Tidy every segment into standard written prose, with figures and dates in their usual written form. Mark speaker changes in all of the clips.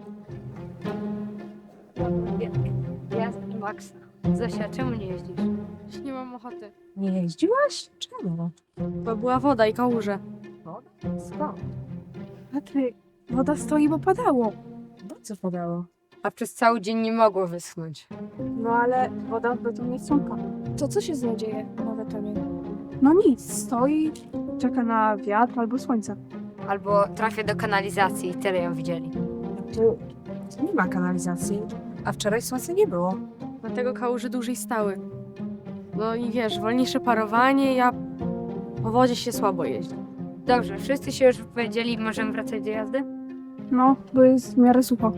Speaker 1: Jasne, Max. Zosia, czemu nie jeździsz?
Speaker 2: Nie mam ochoty,
Speaker 3: Nie jeździłaś? Czemu?
Speaker 2: bo była woda i kałuże.
Speaker 3: Woda? Skąd?
Speaker 4: Patryk, woda stoi, bo padało.
Speaker 3: No co padało?
Speaker 1: A przez cały dzień nie mogło wyschnąć.
Speaker 4: No ale woda w betonie sąka. To co się z nią dzieje na betonie? No nic, stoi, czeka na wiatr albo słońce.
Speaker 1: Albo trafię do kanalizacji i tyle ją widzieli.
Speaker 3: Tu nie ma kanalizacji, a wczoraj słońca nie było.
Speaker 2: Dlatego kałuże dłużej stały. No i wiesz, wolniejsze parowanie, a po wodzie się słabo jeździ.
Speaker 1: Dobrze, wszyscy się już wypowiedzieli, możemy wracać do jazdy?
Speaker 4: No, bo jest w miarę sucho.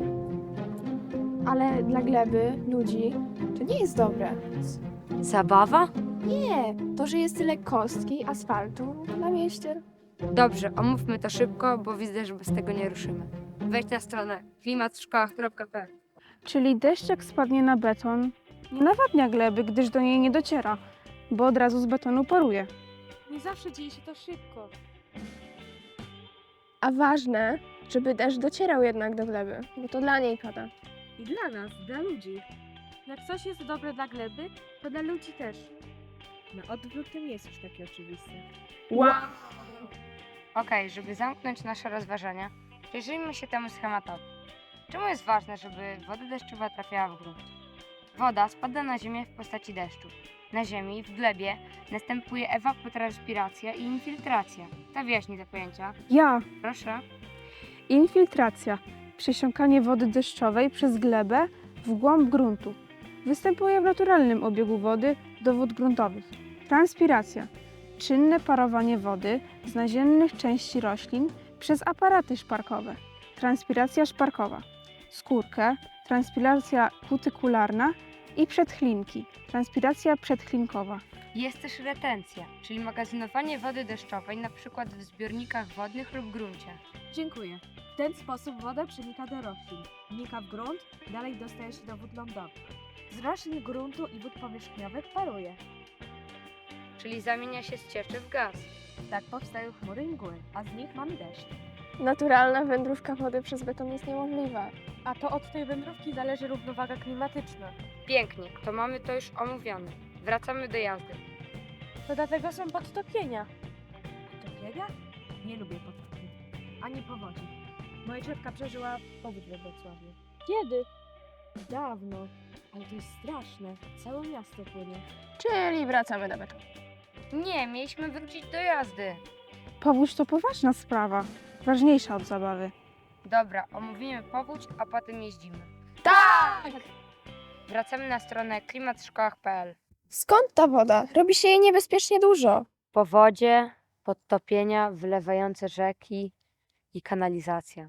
Speaker 5: Ale dla gleby, ludzi, to nie jest dobre.
Speaker 1: Zabawa?
Speaker 5: Nie, to, że jest tyle kostki, asfaltu na mieście.
Speaker 1: Dobrze, omówmy to szybko, bo widzę, że bez tego nie ruszymy. Wejdź na stronę klimatszkołach.pl.
Speaker 4: Czyli deszcz jak spadnie na beton, nie nawadnia gleby, gdyż do niej nie dociera, bo od razu z betonu paruje.
Speaker 2: Nie zawsze dzieje się to szybko.
Speaker 5: A ważne, żeby deszcz docierał jednak do gleby, bo to dla niej pada.
Speaker 2: I dla nas, dla ludzi. Jak coś jest dobre dla gleby, to dla ludzi też.
Speaker 3: Na odwrót to nie jest już takie oczywiste.
Speaker 1: Okej, żeby zamknąć nasze rozważania, przyjrzyjmy się temu schematowi. Czemu jest ważne, żeby woda deszczowa trafiała w grunt? Woda spada na ziemię w postaci deszczu. Na ziemi, w glebie, następuje evapotranspiracja i infiltracja. Kto wyjaśni te pojęcia?
Speaker 4: Ja,
Speaker 1: Proszę.
Speaker 4: infiltracja, przesiąkanie wody deszczowej przez glebę w głąb gruntu. Występuje w naturalnym obiegu wody do wód gruntowych. Transpiracja, czynne parowanie wody z naziemnych części roślin przez aparaty szparkowe. Transpiracja szparkowa, skórkę, transpiracja kutykularna i przedchlinki, transpiracja przedchlinkowa.
Speaker 1: Jest też retencja, czyli magazynowanie wody deszczowej np. w zbiornikach wodnych lub gruncie.
Speaker 6: Dziękuję. W ten sposób woda przenika do roślin, wnika w grunt, dalej dostaje się do wód lądowych. Z roślin gruntu i wód powierzchniowych paruje.
Speaker 1: Czyli zamienia się z cieczy w gaz.
Speaker 6: Tak powstają chmury i mgły, a z nich mamy deszcz.
Speaker 5: Naturalna wędrówka wody przez beton jest niemożliwa.
Speaker 2: A to od tej wędrówki zależy równowaga klimatyczna.
Speaker 1: Pięknie, to mamy to już omówione. Wracamy do jazdy.
Speaker 2: To dlatego są podtopienia.
Speaker 6: Topienia? Nie lubię potopi. Ani powodzi. Moja ciotka przeżyła powódź we Wrocławiu.
Speaker 5: Kiedy?
Speaker 6: Dawno. Ale to jest straszne. Całe miasto płynie.
Speaker 5: Czyli wracamy do betonu.
Speaker 1: Nie, mieliśmy wrócić do jazdy.
Speaker 4: Powódź to poważna sprawa, ważniejsza od zabawy.
Speaker 1: Dobra, omówimy powódź, a potem jeździmy.
Speaker 5: Tak!
Speaker 1: Wracamy na stronę klimatszkołach.pl.
Speaker 5: Skąd ta woda? Robi się jej niebezpiecznie dużo.
Speaker 1: Powodzie, podtopienia, wylewające rzeki i kanalizacja.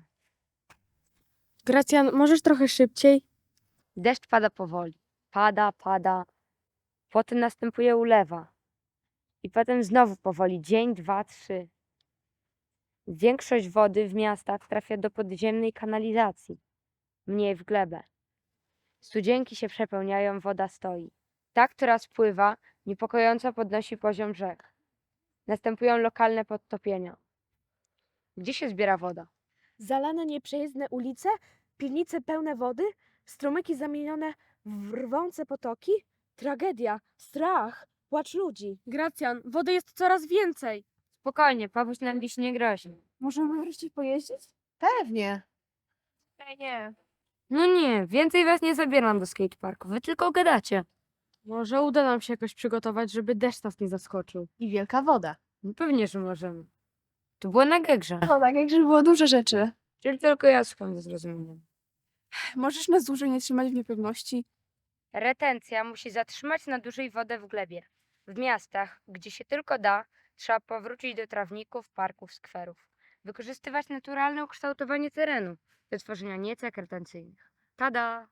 Speaker 2: Gracjan, możesz trochę szybciej?
Speaker 1: Deszcz pada powoli. Pada. Potem następuje ulewa. I potem znowu powoli. Dzień, 2, 3. Większość wody w miastach trafia do podziemnej kanalizacji. Mniej w glebę. Studzienki się przepełniają, woda stoi. Ta, która spływa, niepokojąco podnosi poziom rzek. Następują lokalne podtopienia. Gdzie się zbiera woda?
Speaker 6: Zalane nieprzejezdne ulice, piwnice pełne wody, strumyki zamienione w rwące potoki. Tragedia, strach, płacz ludzi.
Speaker 2: Gracjan, wody jest coraz więcej.
Speaker 1: Spokojnie, powódź nam dziś nie grozi.
Speaker 4: Możemy wreszcie pojeździć?
Speaker 3: Pewnie.
Speaker 5: Nie.
Speaker 1: No nie, więcej was nie zabieram do skateparku. Wy tylko gadacie.
Speaker 2: Może uda nam się jakoś przygotować, żeby deszcz nas nie zaskoczył.
Speaker 3: I wielka woda.
Speaker 1: No pewnie, że możemy. To było na gegrze.
Speaker 4: No tak, jak żeby było dużo rzeczy.
Speaker 1: Czyli tylko ja słucham ze zrozumieniem.
Speaker 4: Możesz nas dłużej nie trzymać w niepewności?
Speaker 1: Retencja musi zatrzymać na dłużej wodę w glebie. W miastach, gdzie się tylko da, trzeba powrócić do trawników, parków, skwerów. Wykorzystywać naturalne ukształtowanie terenu do tworzenia niecek retencyjnych. Tada!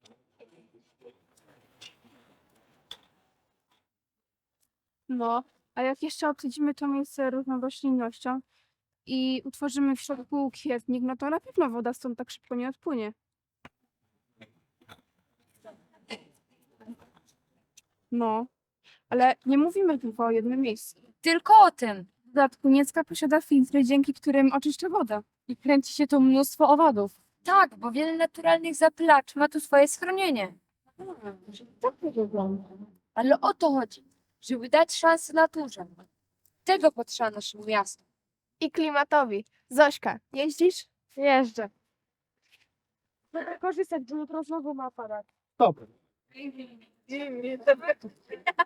Speaker 4: No, A jak jeszcze obsadzimy to miejsce różną roślinnością i utworzymy w środku kwietnik, no to na pewno woda stąd tak szybko nie odpłynie. No, ale nie mówimy tylko o jednym miejscu.
Speaker 1: Tylko o tym.
Speaker 4: W dodatku Niecka posiada filtry, dzięki którym oczyszcza wodę.
Speaker 2: I kręci się tu mnóstwo owadów.
Speaker 1: Tak, bo wiele naturalnych zapylaczy ma tu swoje schronienie.
Speaker 2: Tak to wygląda.
Speaker 1: Ale o to chodzi, żeby dać szansę naturze. Tego potrzeba naszemu miastu.
Speaker 5: I klimatowi. Zośka, jeździsz?
Speaker 2: Jeżdżę.
Speaker 6: Korzystać, bo jutro znowu ma aparat.
Speaker 7: Dobra.